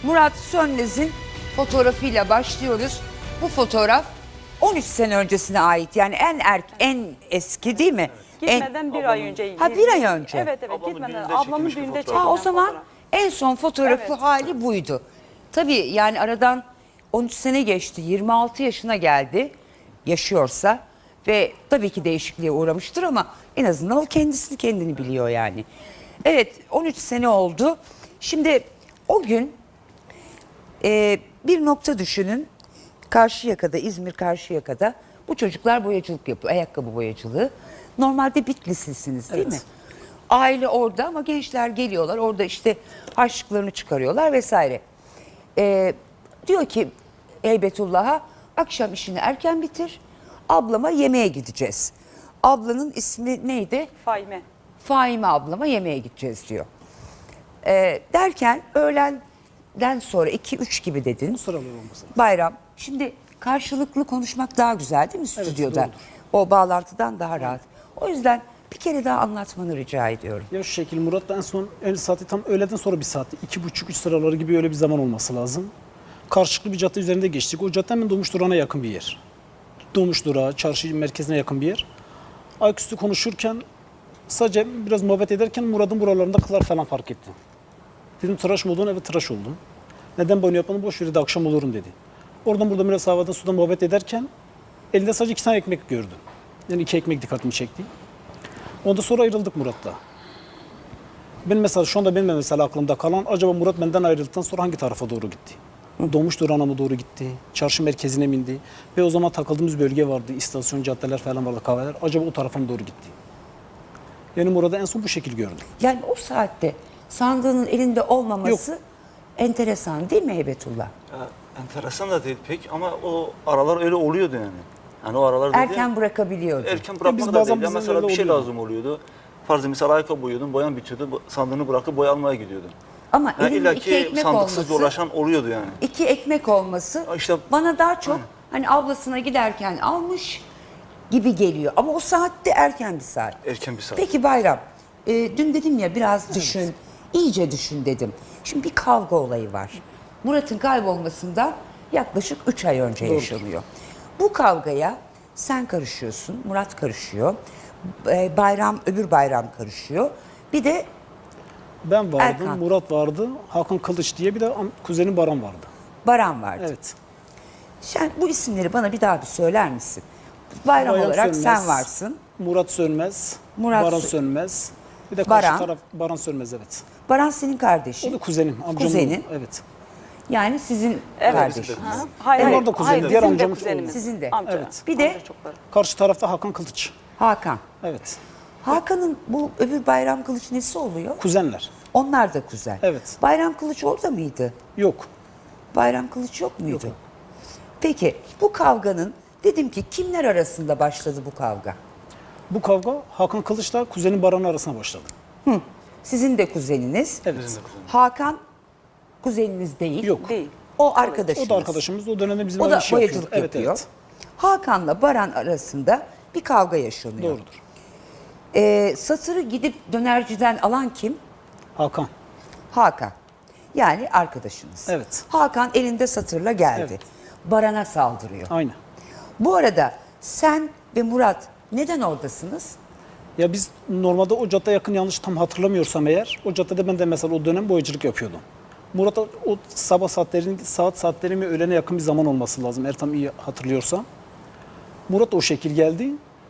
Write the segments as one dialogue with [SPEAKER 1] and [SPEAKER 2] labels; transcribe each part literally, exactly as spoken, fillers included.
[SPEAKER 1] Murat Sönmez'in fotoğrafıyla başlıyoruz. Bu fotoğraf on üç sene öncesine ait. Yani en erk en eski değil mi?
[SPEAKER 2] Gitmeden
[SPEAKER 1] En,
[SPEAKER 2] bir ay önce.
[SPEAKER 1] Ha, bir ay önce.
[SPEAKER 2] Evet evet
[SPEAKER 3] Ablamın
[SPEAKER 2] gitmeden.
[SPEAKER 3] düğününde
[SPEAKER 2] Ablamın
[SPEAKER 3] çekilmiş bir
[SPEAKER 2] düğünde
[SPEAKER 3] fotoğraf.
[SPEAKER 2] çekilen
[SPEAKER 1] ha, o zaman
[SPEAKER 2] fotoğraf.
[SPEAKER 1] en son fotoğrafı
[SPEAKER 2] Evet.
[SPEAKER 1] hali buydu. Tabii yani aradan on üç sene geçti. yirmi altı yaşına geldi. Yaşıyorsa ve tabii ki değişikliğe uğramıştır ama en azından o kendisini kendini biliyor yani. Evet, on üç sene oldu. Şimdi o gün e, bir nokta düşünün. Karşıyaka'da, İzmir Karşıyaka'da bu çocuklar boyacılık yapıyor. Ayakkabı boyacılığı. Normalde Bitlislisiniz değil
[SPEAKER 4] Evet.
[SPEAKER 1] mi? Aile orada ama gençler geliyorlar. Orada işte harçlıklarını çıkarıyorlar vesaire. E, diyor ki Heybetullah'a akşam işini erken bitir. Ablama yemeğe gideceğiz. Ablanın ismi neydi?
[SPEAKER 2] Fahime.
[SPEAKER 1] Faime ablama yemeğe gideceğiz diyor. Ee, derken öğlenden sonra iki üç gibi dedin.
[SPEAKER 4] Sıralar olması.
[SPEAKER 1] Bayram. Şimdi karşılıklı konuşmak daha güzel değil mi stüdyoda?
[SPEAKER 4] doğrudur.
[SPEAKER 1] O bağlantıdan daha rahat. O yüzden bir kere daha anlatmanı rica ediyorum.
[SPEAKER 4] Ya şu şekil Murat'la en son en saati tam öğleden sonra bir saatti. iki buçuk üç sıraları gibi öyle bir zaman olması lazım. Karşılıklı bir cadde üzerinde geçtik. O cadde hemen Doğmuş Durağı'na yakın bir yer. Doğmuş Durağı, çarşı merkezine yakın bir yer. Ayaküstü konuşurken sadece biraz muhabbet ederken Murat'ın buralarında kıllar falan fark etti. Dedim tıraş mı oldun? Evet tıraş oldum. Neden banyo yapmadın? Boş ver dedi, akşam olurum dedi. Oradan burada biraz havada suda muhabbet ederken elinde sadece iki tane ekmek gördüm. Yani iki ekmek dikkatimi çekti. Ondan sonra ayrıldık Murat'la. Ben mesela şu anda benim de mesela aklımda kalan acaba Murat benden ayrıldıktan sonra hangi tarafa doğru gitti? Doğmuş Durağı'na mı doğru gitti? Çarşı merkezine mi indi? Ve o zaman takıldığımız bölge vardı. İstasyon, caddeler falan vardı, kahveler. Acaba o tarafa mı doğru gitti? Yani Murat'ı en son bu şekil gördüm.
[SPEAKER 1] Yani o saatte sandığının elinde olmaması enteresan değil mi Heybetullah?
[SPEAKER 3] Ya, enteresan da değil pek ama o aralar öyle oluyordu yani. Yani o aralar dedi,
[SPEAKER 1] Erken bırakabiliyordu.
[SPEAKER 3] erken
[SPEAKER 4] biz
[SPEAKER 3] bırakmak da
[SPEAKER 4] bazen
[SPEAKER 3] değil. Ya
[SPEAKER 4] bize
[SPEAKER 3] mesela
[SPEAKER 4] öyle
[SPEAKER 3] bir şey
[SPEAKER 4] oluyordu.
[SPEAKER 3] lazım oluyordu. Farzı misal ayakkabı boyuyordun, boyan bitiyordu, bu- sandığını bırakıp boya almaya gidiyordun.
[SPEAKER 1] Ama
[SPEAKER 3] Yani
[SPEAKER 1] elinde
[SPEAKER 3] illa
[SPEAKER 1] iki
[SPEAKER 3] ki
[SPEAKER 1] ekmek
[SPEAKER 3] sandıksız
[SPEAKER 1] olması,
[SPEAKER 3] dolaşan oluyordu yani.
[SPEAKER 1] iki ekmek olması
[SPEAKER 3] Ya işte-
[SPEAKER 1] bana daha çok
[SPEAKER 3] Aynen.
[SPEAKER 1] hani ablasına giderken almış gibi geliyor. Ama o saatte erken bir saat.
[SPEAKER 3] Erken bir saat.
[SPEAKER 1] Peki Bayram, e, dün dedim ya biraz düşün, iyice düşün dedim. Şimdi bir kavga olayı var. Murat'ın kaybolmasından yaklaşık üç ay önce yaşanıyor. Bu kavgaya sen karışıyorsun, Murat karışıyor, e, Bayram, öbür Bayram karışıyor. Bir de
[SPEAKER 4] Ben vardım,
[SPEAKER 1] Erkan.
[SPEAKER 4] Murat vardı, Hakan Kılıç diye bir de am- kuzenim Baran vardı.
[SPEAKER 1] Baran vardı.
[SPEAKER 4] Evet.
[SPEAKER 1] Sen bu isimleri bana bir daha bir söyler misin? Bayram
[SPEAKER 4] Bayram
[SPEAKER 1] olarak
[SPEAKER 4] Sönmez,
[SPEAKER 1] sen varsın.
[SPEAKER 4] Murat Sönmez,
[SPEAKER 1] Murat
[SPEAKER 4] Baran
[SPEAKER 1] Sö-
[SPEAKER 4] Sönmez. Bir de karşı
[SPEAKER 1] Baran.
[SPEAKER 4] taraf Baran Sönmez, evet.
[SPEAKER 1] Baran senin
[SPEAKER 4] O
[SPEAKER 1] kardeşin.
[SPEAKER 4] da kuzenim, amcamın
[SPEAKER 1] Kuzenin.
[SPEAKER 4] oğlu, evet.
[SPEAKER 1] Yani sizin
[SPEAKER 2] Evet.
[SPEAKER 1] kardeşiniz.
[SPEAKER 2] Ha? Hayır,
[SPEAKER 4] Onlar
[SPEAKER 2] hayır,
[SPEAKER 4] da kuzenim,
[SPEAKER 2] hayır,
[SPEAKER 4] diğer
[SPEAKER 2] bizim de
[SPEAKER 4] amcamız
[SPEAKER 2] kuzenimiz.
[SPEAKER 4] oğlu.
[SPEAKER 1] Sizin de.
[SPEAKER 2] Amca.
[SPEAKER 4] Evet.
[SPEAKER 1] Bir de
[SPEAKER 2] Amca çokları.
[SPEAKER 4] Karşı tarafta Hakan Kılıç.
[SPEAKER 1] Hakan.
[SPEAKER 4] Evet.
[SPEAKER 1] Hakan'ın bu öbür Bayram Kılıç nesi oluyor?
[SPEAKER 4] Kuzenler.
[SPEAKER 1] Onlar da kuzen.
[SPEAKER 4] Evet.
[SPEAKER 1] Bayram Kılıç orada mıydı?
[SPEAKER 4] Yok.
[SPEAKER 1] Bayram Kılıç yok muydu? Peki bu kavganın dedim ki kimler arasında başladı bu kavga?
[SPEAKER 4] Bu kavga Hakan Kılıç'la kuzenim Baran arasında başladı.
[SPEAKER 1] Sizin de kuzeniniz.
[SPEAKER 4] Evet.
[SPEAKER 1] Hakan kuzeniniz değil.
[SPEAKER 4] Yok.
[SPEAKER 2] Değil.
[SPEAKER 1] O arkadaşınız.
[SPEAKER 4] O da arkadaşımız. O dönemde bizim
[SPEAKER 1] O
[SPEAKER 4] aynı
[SPEAKER 1] da
[SPEAKER 4] işi
[SPEAKER 1] boyacılık
[SPEAKER 4] yapıyordu. Evet,
[SPEAKER 1] yapıyor.
[SPEAKER 4] evet.
[SPEAKER 1] Hakan'la Baran arasında bir kavga yaşanıyor.
[SPEAKER 4] Doğrudur.
[SPEAKER 1] Ee, satırı gidip dönerciden alan kim?
[SPEAKER 4] Hakan.
[SPEAKER 1] Hakan. Yani arkadaşınız.
[SPEAKER 4] Evet.
[SPEAKER 1] Hakan elinde satırla geldi.
[SPEAKER 4] Evet.
[SPEAKER 1] Baran'a saldırıyor.
[SPEAKER 4] Aynı.
[SPEAKER 1] Bu arada sen ve Murat neden oradasınız?
[SPEAKER 4] Ya biz normalde o cadde yakın, yanlış tam hatırlamıyorsam eğer, o caddede ben de mesela o dönem boyacılık yapıyordum. Murat o o sabah saatlerin saat saatleri mi öğlene yakın bir zaman olması lazım eğer tam iyi hatırlıyorsam. Murat o şekil geldi.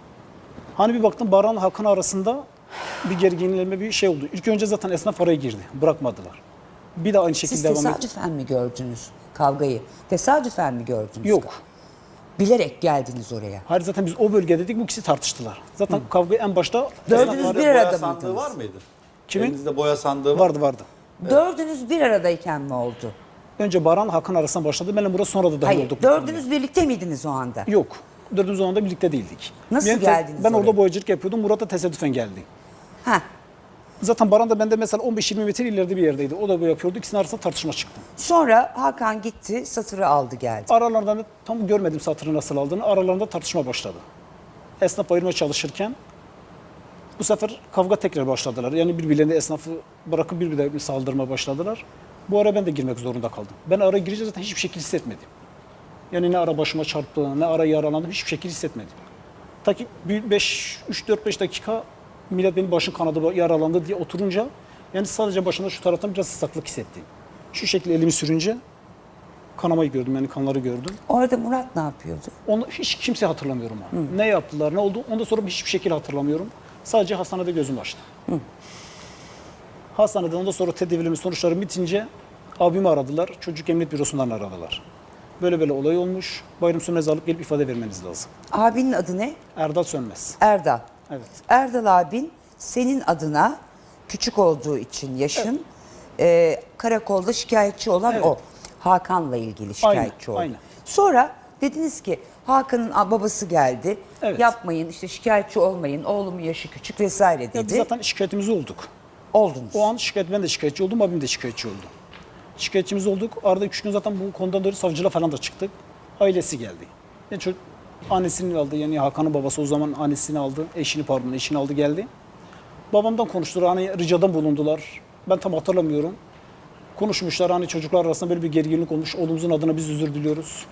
[SPEAKER 4] Hani bir baktım Baran Hakan arasında bir gerginleşme bir şey oldu. İlk önce zaten esnaf araya girdi. Bırakmadılar. Bir de aynı şekilde
[SPEAKER 1] Siz
[SPEAKER 4] devam etti.
[SPEAKER 1] tesadüfen mi gördünüz kavgayı? Tesadüfen mi gördünüz?
[SPEAKER 4] Yok.
[SPEAKER 1] Bilerek geldiniz oraya.
[SPEAKER 4] Hayır, zaten biz o bölgedeydik, bu ikisi tartıştılar. Zaten kavga en başta
[SPEAKER 1] Dördünüz
[SPEAKER 4] esnaf-
[SPEAKER 1] bir
[SPEAKER 5] boya
[SPEAKER 1] arada
[SPEAKER 5] sandığı
[SPEAKER 1] mıydınız?
[SPEAKER 5] var mıydı?
[SPEAKER 4] Kimin?
[SPEAKER 5] Elinizde boya sandığı var.
[SPEAKER 4] vardı vardı.
[SPEAKER 1] Dördünüz bir aradayken mi oldu?
[SPEAKER 4] Önce Baran Hakan arasında başladı. Benle Murat sonra da dahil
[SPEAKER 1] Hayır,
[SPEAKER 4] olduk. bu
[SPEAKER 1] dördünüz birlikte miydiniz o anda?
[SPEAKER 4] konuya. Yok. Dördümüz o anda birlikte değildik.
[SPEAKER 1] Nasıl
[SPEAKER 4] Ben te-
[SPEAKER 1] geldiniz
[SPEAKER 4] Ben
[SPEAKER 1] oraya?
[SPEAKER 4] orada boyacılık yapıyordum. Murat da tesadüfen geldi.
[SPEAKER 1] Ha.
[SPEAKER 4] Zaten Baran da bende mesela on beş yirmi metre ileride bir yerdeydi. O da bu yapıyordu. İkisinin arasında tartışma çıktı.
[SPEAKER 1] Sonra Hakan gitti, satırı aldı geldi.
[SPEAKER 4] Aralarında da tam görmedim satırı nasıl aldığını. Aralarında tartışma başladı. Esnaf ayırmaya çalışırken bu sefer kavga tekrar başladılar. Yani birbirlerine esnafı bırakıp birbirlerine saldırmaya başladılar. Bu ara ben de girmek zorunda kaldım. Ben ara girince zaten hiçbir şekilde hissetmedim. Yani ne ara başıma çarptı, ne ara yaralandım, hiçbir şekilde hissetmedim. Ta ki üç dört beş dakika millet benim başım kanadı, yaralandı diye oturunca yani sadece başımda şu taraftan biraz ıslaklık hissettim. Şu şekilde elimi sürünce kanamayı gördüm, yani kanları gördüm.
[SPEAKER 1] Orada Murat ne yapıyordu?
[SPEAKER 4] Onu hiç kimse hatırlamıyorum. Ha. Ne yaptılar, ne oldu ondan sonra hiçbir şekilde hatırlamıyorum. Sadece hastanede gözüm açtı. Hı. Hastanede ondan sonra tedavilimin sonuçları bitince abimi aradılar. Çocuk Emniyet Bürosu'ndan aradılar. Böyle böyle olay olmuş. Bayram Sönmez'i alıp gelip ifade vermeniz lazım.
[SPEAKER 1] Abinin adı ne?
[SPEAKER 4] Erdal Sönmez.
[SPEAKER 1] Erdal.
[SPEAKER 4] Evet.
[SPEAKER 1] Erdal abin senin adına küçük olduğu için yaşın e, karakolda şikayetçi olan
[SPEAKER 4] Evet.
[SPEAKER 1] o. Hakan'la ilgili şikayetçi
[SPEAKER 4] Aynen,
[SPEAKER 1] oldu.
[SPEAKER 4] aynen.
[SPEAKER 1] Sonra dediniz ki Hakan'ın a- babası geldi.
[SPEAKER 4] Evet.
[SPEAKER 1] Yapmayın işte şikayetçi olmayın. Oğlumun yaşı küçük vesaire dedi.
[SPEAKER 4] Ya biz zaten şikayetimiz olduk.
[SPEAKER 1] Oldunuz.
[SPEAKER 4] O an şikayet, ben de şikayetçi oldum, abim de şikayetçi oldu. Şikayetçimiz olduk. Arada üç gün zaten bu konudan dolayı savcılığa falan da çıktık. Ailesi geldi. Yani çocuk annesini aldı, yani Hakan'ın babası o zaman annesini aldı, eşini pardon eşini aldı geldi. Babamdan konuştular, hani ricada bulundular. Ben tam hatırlamıyorum. Konuşmuşlar, hani çocuklar arasında böyle bir gerginlik olmuş. Oğlumuzun adına biz özür diliyoruz.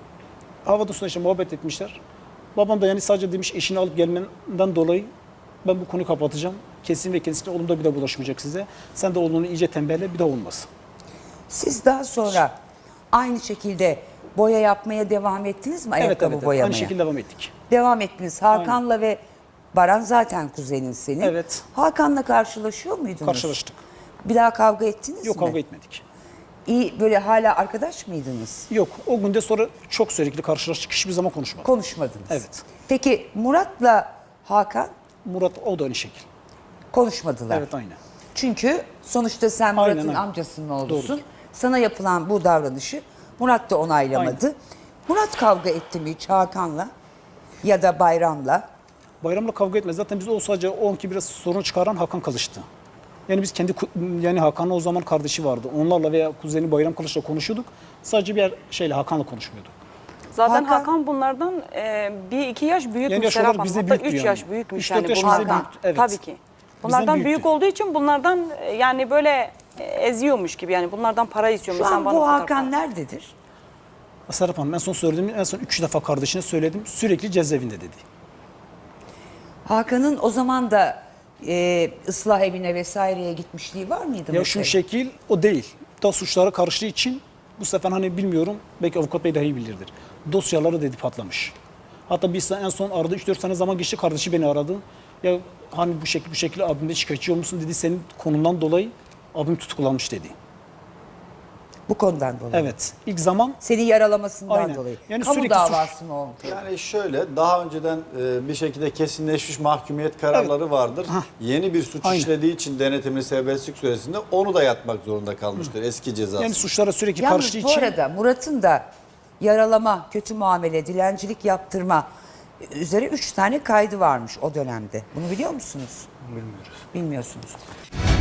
[SPEAKER 4] Havada suda işte muhabbet etmişler. Babam da yani sadece demiş eşini alıp gelmenden dolayı ben bu konuyu kapatacağım. Kesin ve kesinlikle oğlum da bir daha bulaşmayacak size. Sen de oğlunu iyice tembehle, bir daha olmaz.
[SPEAKER 1] Siz daha sonra aynı şekilde boya yapmaya devam ettiniz mi?
[SPEAKER 4] Evet,
[SPEAKER 1] Ayakkabı
[SPEAKER 4] evet, evet.
[SPEAKER 1] boyamaya.
[SPEAKER 4] Aynı şekilde devam ettik.
[SPEAKER 1] Devam ettiniz. Hakan'la ve Baran zaten kuzenin senin.
[SPEAKER 4] Evet.
[SPEAKER 1] Hakan'la karşılaşıyor muydunuz?
[SPEAKER 4] Karşılaştık.
[SPEAKER 1] Bir daha kavga ettiniz
[SPEAKER 4] Yok,
[SPEAKER 1] mi?
[SPEAKER 4] kavga etmedik.
[SPEAKER 1] İyi böyle hala arkadaş mıydınız?
[SPEAKER 4] Yok, o günde sonra çok sürekli karşılaştık. Hiçbir zaman konuşmadık.
[SPEAKER 1] Konuşmadınız.
[SPEAKER 4] Evet.
[SPEAKER 1] Peki Murat'la Hakan
[SPEAKER 4] Murat o da aynı şekil.
[SPEAKER 1] konuşmadılar.
[SPEAKER 4] Evet, aynen.
[SPEAKER 1] Çünkü sonuçta sen
[SPEAKER 4] Aynen,
[SPEAKER 1] Murat'ın
[SPEAKER 4] aynen.
[SPEAKER 1] amcasının oğlusun.
[SPEAKER 4] Doğrudur.
[SPEAKER 1] Sana yapılan bu davranışı Murat da onaylamadı. Murat kavga etti mi hiç Hakan'la ya da Bayram'la?
[SPEAKER 4] Bayramla kavga etmez. Zaten biz o sadece o anki biraz sorun çıkaran Hakan Kılıç'tı. Yani biz kendi ku- yani Hakan'ın o zaman kardeşi vardı. Onlarla veya kuzeni Bayram Kılıç'la konuşuyorduk. Sadece bir şeyle Hakan'la konuşmuyorduk.
[SPEAKER 2] Zaten
[SPEAKER 1] Hakan-
[SPEAKER 2] Hakan, bunlardan e, bir iki yaş büyükmüş
[SPEAKER 4] Yani yaş
[SPEAKER 2] Serap
[SPEAKER 4] olarak
[SPEAKER 2] Hanım.
[SPEAKER 4] bizde
[SPEAKER 2] Hatta
[SPEAKER 4] büyüktü
[SPEAKER 2] üç
[SPEAKER 4] yani.
[SPEAKER 2] yaş büyükmüş
[SPEAKER 4] Üç,
[SPEAKER 2] yani
[SPEAKER 4] dört yaş
[SPEAKER 2] bunlardan.
[SPEAKER 4] bizde büyüktü, evet.
[SPEAKER 2] Tabii ki. Bunlardan
[SPEAKER 4] büyüktü.
[SPEAKER 2] büyük olduğu için bunlardan e, yani böyle e, eziyormuş gibi yani bunlardan para istiyormuş.
[SPEAKER 1] Şu
[SPEAKER 2] Sen
[SPEAKER 1] an
[SPEAKER 2] bana
[SPEAKER 1] bu
[SPEAKER 2] kadar
[SPEAKER 1] Hakan
[SPEAKER 2] para-
[SPEAKER 1] nerededir?
[SPEAKER 4] Serap Hanım en son söylediğim en son üç defa kardeşine söyledim. Sürekli cezaevinde dedi.
[SPEAKER 1] Hakan'ın o zaman da e, ıslah evine vesaireye gitmişliği var mıydı?
[SPEAKER 4] Ya
[SPEAKER 1] mesela?
[SPEAKER 4] şu şekil o değil. Da suçlara karıştığı için bu sefer hani bilmiyorum belki avukat bey daha iyi bilirdir. Dosyaları dedi patlamış. Hatta biz en son arada üç dört sene zaman geçti, kardeşi beni aradı. Ya hani bu şekil bu şekilde abimde şikayetçi olmuşsun dedi, senin konundan dolayı abim tutuklanmış dedi.
[SPEAKER 1] Bu konudan dolayı.
[SPEAKER 4] Evet. İlk zaman
[SPEAKER 1] Seni yaralamasından
[SPEAKER 4] Aynen.
[SPEAKER 1] dolayı.
[SPEAKER 4] Yani
[SPEAKER 1] Kamu
[SPEAKER 4] sürekli
[SPEAKER 1] davası mı olmuş?
[SPEAKER 5] Yani şöyle daha önceden e, bir şekilde kesinleşmiş mahkumiyet kararları vardır. Yeni bir suç
[SPEAKER 4] Aynen.
[SPEAKER 5] işlediği için denetimli serbestlik süresinde onu da yatmak zorunda kalmıştır eski cezası.
[SPEAKER 4] yani suçlara sürekli
[SPEAKER 1] Yalnız
[SPEAKER 4] karıştığı
[SPEAKER 1] bu
[SPEAKER 4] için
[SPEAKER 1] arada Murat'ın da yaralama, kötü muamele, dilencilik yaptırma üzere üç tane kaydı varmış o dönemde. Bunu biliyor musunuz?
[SPEAKER 3] Bilmiyoruz.
[SPEAKER 1] Bilmiyorsunuz.